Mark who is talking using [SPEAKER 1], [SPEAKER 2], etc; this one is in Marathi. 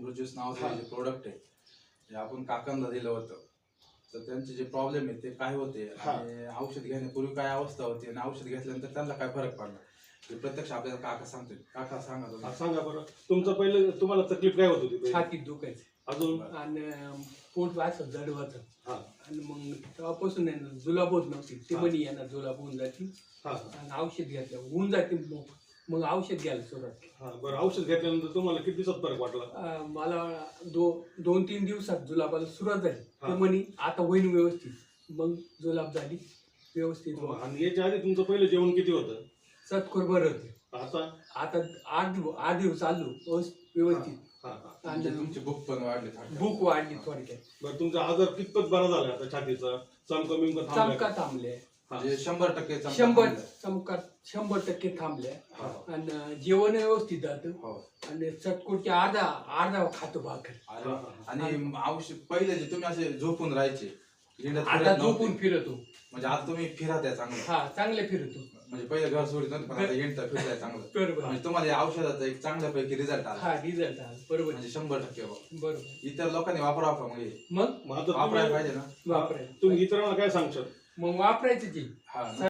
[SPEAKER 1] अमृत नावाचं जे प्रोडक्ट आहे ते आपण काकांना दिलं होतं, तर त्यांचे जे प्रॉब्लेम आहे ते काय होते आणि औषध घेण्यापूर्वी काय अवस्था होती आणि औषध घेतल्यानंतर त्यांना काय फरक पडला ते प्रत्यक्ष आपल्याला काका सांगतील. काका सांगा
[SPEAKER 2] सांगा बरं, तुमचं पहिलं तुम्हाला तकलीफ काय होत होती?
[SPEAKER 3] छातीत दुखायचं
[SPEAKER 2] अजून
[SPEAKER 3] आणि पोट असं जड होतं आणि मग तेव्हापासून आहे ना जुलाब होत नव्हती. ते म्हणे यांना जुलाब होऊन जाते आणि औषध घेतलं होऊन जाते. मग औषध घ्यायला सुरुवात.
[SPEAKER 2] बरं, औषध घेतल्यानंतर तुम्हाला किती दिवसात फरक वाटला?
[SPEAKER 3] मला 2-3 दिवसात जुलाबाला सुरुवात झाली. ते म्हणे आता होईल व्यवस्थित. मग जुलाब झाली व्यवस्थित.
[SPEAKER 2] आणि याच्या आधी तुमचं पहिलं जेवण किती होतं?
[SPEAKER 3] सतखोर बरं होते. आता 8 दिवस चाललो व्यवस्थित.
[SPEAKER 1] आणि तुमची भूक पण वाढली,
[SPEAKER 3] भूक वाढली थोडक्यात.
[SPEAKER 2] बरं, तुमचा आजार कितपत बरा झाला आता छातीचा?
[SPEAKER 3] चमका थांबले.
[SPEAKER 1] 100%
[SPEAKER 3] 100% थांबले आणि जेवण व्यवस्थित जातं आणि चटकुटचे अर्धा खातो भाकर.
[SPEAKER 1] आणि औषध पहिले जे तुम्ही असे झोपून राहायचे,
[SPEAKER 3] आता झोपून फिरतो.
[SPEAKER 1] म्हणजे आता तुम्ही फिरत आहे चांगलं.
[SPEAKER 3] हा, चांगले फिरतो.
[SPEAKER 1] म्हणजे पहिले घर सोडित नव्हतं, पण आता हिंडता फिरताय चांगलं.
[SPEAKER 3] बरोबर.
[SPEAKER 1] म्हणजे तुम्हाला या औषधाचा एक चांगल्यापैकी रिझल्ट आला.
[SPEAKER 3] हा, रिझल्ट आला. बरोबर.
[SPEAKER 1] म्हणजे 100%
[SPEAKER 3] बरोबर.
[SPEAKER 1] इतर लोकांनी वापरावं का?
[SPEAKER 3] मग
[SPEAKER 1] वापरायला पाहिजे ना.
[SPEAKER 3] वापरायचं.
[SPEAKER 2] तुम्ही इतरांना काय सांगशाल?
[SPEAKER 3] मग वापरायचं ते.